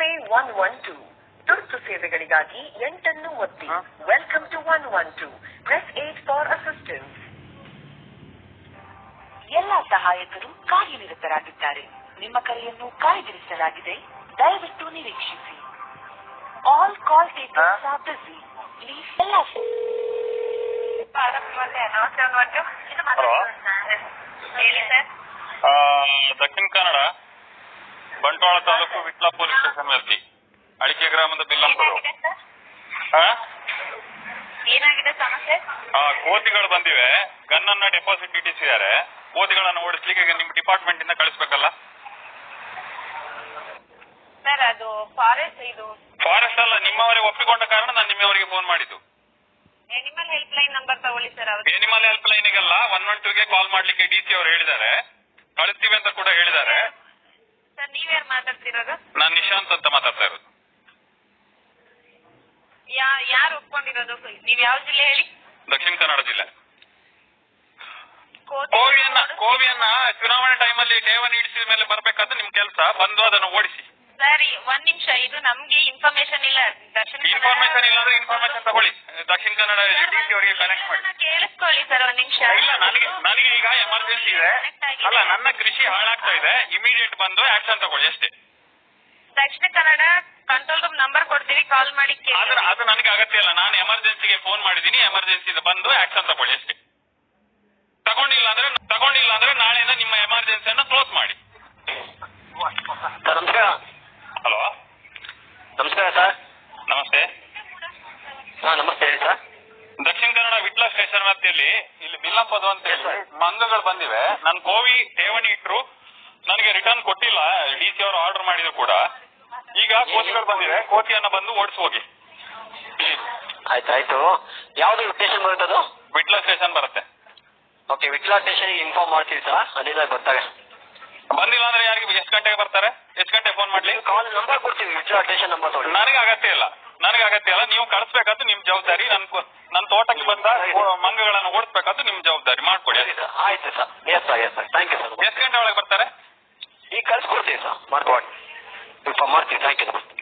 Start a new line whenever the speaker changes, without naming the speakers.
112 ತುರ್ತು ಸೇವೆಗಳಿಗಾಗಿ 8 ಅನ್ನು ಒತ್ತಿ. Welcome to 112. Press 8 for assistance. ಎಲ್ಲ ಸಹಾಯಕರು ಕಾರ್ಯನಿರತರಾಗಿದ್ದಾರೆ. ನಿಮ್ಮ ಕರೆಯನ್ನು ಕಾಯ್ದಿರಿಸಲಾಗಿದೆ. ದಯವಿಟ್ಟು ನಿರೀಕ್ಷಿಸಿ. All call takers are busy. Please ಎಲ್ಲ
ಹೇಳಿ ಸರ್. ದಕ್ಷಿಣ ಕನ್ನಡ ಬಂಟ್ವಾಳ ತಾಲೂಕು ವಿಟ್ಲ ಪೊಲೀಸ್ ಸ್ಟೇಷನ್ ವ್ಯಾಪ್ತಿ ಅಡಿಕೆ ಗ್ರಾಮದ ಬಿಲ್ಲಂಪುರ.
ಏನಾಗಿದೆ ಸಮಸ್ಯೆ?
ಕೋತಿಗಳು ಬಂದಿವೆ. ಗನ್ನನ್ನ ಡೆಪಾಸಿಟ್ ಇಟ್ಟಿಸಿದ್ದಾರೆ. ಕೋತಿಗಳನ್ನು ಓಡಿಸ್ಲಿಕ್ಕೆ ನಿಮ್ಮ ಡಿಪಾರ್ಟ್ಮೆಂಟ್ ಇಂದ ಕಳಿಸ್ಬೇಕಲ್ಲ
ಸರ್? ಅದು ಫಾರೆಸ್ಟ್
ಫಾರೆಸ್ಟ್ ಅಲ್ಲ, ನಿಮ್ಮವರೇ ಒಪ್ಪಿಕೊಂಡ ಕಾರಣ ನಾನು ನಿಮ್ಮವರಿಗೆ ಫೋನ್ ಮಾಡಿದ್ದು.
ಎನಿಮಲ್ ಹೆಲ್ಪ್ ಲೈನ್ ನಂಬರ್ ತಗೊಳ್ಳಿ ಸರ್.
ಎನಿಮಲ್ ಹೆಲ್ಪ್ ಲೈನಿಗೆಲ್ಲ 112ಗೆ ಕಾಲ್ ಮಾಡ್ಲಿಕ್ಕೆ ಡಿಸಿ ಅವರು ಹೇಳಿದ್ದಾರೆ. ಕಳಿಸ್ತೀವಿ ಅಂತ ಕೂಡ ಹೇಳಿದ್ದಾರೆ.
ಸರ್ ನೀವ್ಯಾರು ಮಾತಾಡ್ತಿರೋದು?
ನಾನು ನಿಶಾಂತ್ ಅಂತ ಮಾತಾಡ್ತಾ ಇರೋದು.
ಯಾರು ಒಪ್ಕೊಂಡಿರೋದು? ನೀವ್ ಯಾವ ಜಿಲ್ಲೆ ಹೇಳಿ?
ದಕ್ಷಿಣ ಕನ್ನಡ ಜಿಲ್ಲೆ. ಕೋವಿಯನ್ನ ಚುನಾವಣೆ ಟೈಮಲ್ಲಿ ಠೇವಣಿ ಇಡಿಸಿದ ಮೇಲೆ ಬರ್ಬೇಕಾದ್ರೆ ನಿಮ್ ಕೆಲಸ ಬಂದು ಅದನ್ನು ಓಡಿಸಿ.
ಸರಿ ಒಂದ್ ನಿಮಿಷ, ಇದು ನಮ್ಗೆ ಇನ್ಫಾರ್ಮೇಶನ್ ಇಲ್ಲ.
ಇನ್ಫಾರ್ಮೇಶನ್ ಇಲ್ಲಾಂದ್ರೆ ಇನ್ಫಾರ್ಮೇಶನ್ ತಗೊಳ್ಳಿ. ದಕ್ಷಿಣ ಕನ್ನಡ ಡಿಸಿ ಅವರಿಗೆ ಕನೆಕ್ಟ್ ಮಾಡಿ.
ಕೇಳಿಸ್ಕೊಳ್ಳಿ ಸರ್ ಒಂದ್ ನಿಮಿಷ.
ಇಲ್ಲ, ನನಗೆ ಈಗ ಎಮರ್ಜೆನ್ಸಿ ಇದೆ. ಅಲ್ಲ, ನನ್ನ ಕೃಷಿ ಹಾಳಾಗ್ತಾ ಇದೆ. ಇಮಿಡಿಯೇಟ್ ಬಂದು ಆಕ್ಷನ್ ತಗೊಳ್ಳಿ ಅಷ್ಟೇ.
ದಕ್ಷಿಣ ಕನ್ನಡ ಕಂಟ್ರೋಲ್ ರೂಮ್ ನಂಬರ್ ಕೊಡ್ತೀವಿ, ಕಾಲ್ ಮಾಡಿ.
ಅದು ನನಗೆ ಅಗತ್ಯ ಇಲ್ಲ. ನಾನು ಎಮರ್ಜೆನ್ಸಿಗೆ ಫೋನ್ ಮಾಡಿದ್ದೀನಿ. ಎಮರ್ಜೆನ್ಸಿ ಬಂದು ಆಕ್ಷನ್ ತಗೊಳ್ಳಿ ಅಷ್ಟೇ. ತಗೊಂಡಿಲ್ಲ ಅಂದ್ರೆ ನಾಳೆಯಿಂದ ನಿಮ್ಮ ಎಮರ್ಜೆನ್ಸಿಯನ್ನು ಕ್ಲೋಸ್ ಮಾಡಿ.
ನಮಸ್ಕಾರ.
ಹಲೋ,
ನಮಸ್ಕಾರ ಸರ್.
ನಮಸ್ತೆ.
ನಮಸ್ತೆ ಹೇಳಿ ಸರ್.
ದಕ್ಷಿಣ ಕನ್ನಡ ವಿಟ್ಲ ಸ್ಟೇಷನ್ ವ್ಯಾಪ್ತಿಯಲ್ಲಿ ಇಲ್ಲಿ ಬಿಲ್ಲಂಪದು ಅಂತ ಹೇಳಿ ಮಂಗಗಳು ಬಂದಿವೆ. ನನ್ ಕೋವಿ ಠೇವಣಿ ಇಟ್ರು, ನನಗೆ ರಿಟರ್ನ್ ಕೊಟ್ಟಿಲ್ಲ. ಡಿಸಿ ಅವರು ಆರ್ಡರ್ ಮಾಡಿದ್ರು ಕೂಡ. ಈಗ ಕೋತಿಗಳು ಬಂದಿವೆ. ಕೋತಿಯನ್ನ ಬಂದು ಓಡಿಸಿ ಹೋಗಿ.
ಆಯ್ತಾಯ್ತು. ಯಾವ್ದು ಸ್ಟೇಷನ್ ಬರುತ್ತದು?
ವಿಟ್ಲ ಸ್ಟೇಷನ್ ಬರುತ್ತೆ.
ಓಕೆ, ವಿಟ್ಲ ಸ್ಟೇಷನ್ ಇನ್ಫಾರ್ಮ್ ಮಾಡ್ತೀವಿ ಸರ್. ಅಲ್ಲಿಂದ ಬರ್ತಾರೆ.
ಬಂದಿಲ್ಲ ಅಂದ್ರೆ ಯಾರಿಗೆ ಎಷ್ಟು ಗಂಟೆಗೆ ಬರ್ತಾರೆ? ಎಷ್ಟು ಗಂಟೆಗೆ ಫೋನ್ ಮಾಡ್ಲಿ?
ಕಾಲ್ ನಂಬರ್ ಕೊಡ್ತೀವಿ. ವಿಟ್ಲ ಸ್ಟೇಷನ್ ನಂಬರ್ ತಗೊಳ್ಳಿ.
ನನಗೆ ಅಗತ್ಯ ಇಲ್ಲ. ನೀವು ಕಳಿಸ್ಬೇಕಾದ್ದು ನಿಮ್ ಜವಾಬ್ದಾರಿ. ನನ್ನ ತೋಟಕ್ಕೆ ಬಂದ ಮಂಗಗಳನ್ನು ಓಡಿಸ್ಬೇಕಾದ್ದು ನಿಮ್ ಜವಾಬ್ದಾರಿ. ಮಾಡ್ಕೊಡಿ.
ಆಯ್ತು sir. Yes sir, yes sir. Thank you sir.
ಎಷ್ಟು ಗಂಟೆ ಒಳಗೆ ಬರ್ತಾರೆ?
ಈಗ ಕಳ್ಸ್ಕೊಡ್ತೀವಿ ಸರ್. ಮಾಡ್ಕೊಡಿ. ಇನ್ಫಾರ್ಮ್ ಮಾಡ್ತೀವಿ. Thank you sir.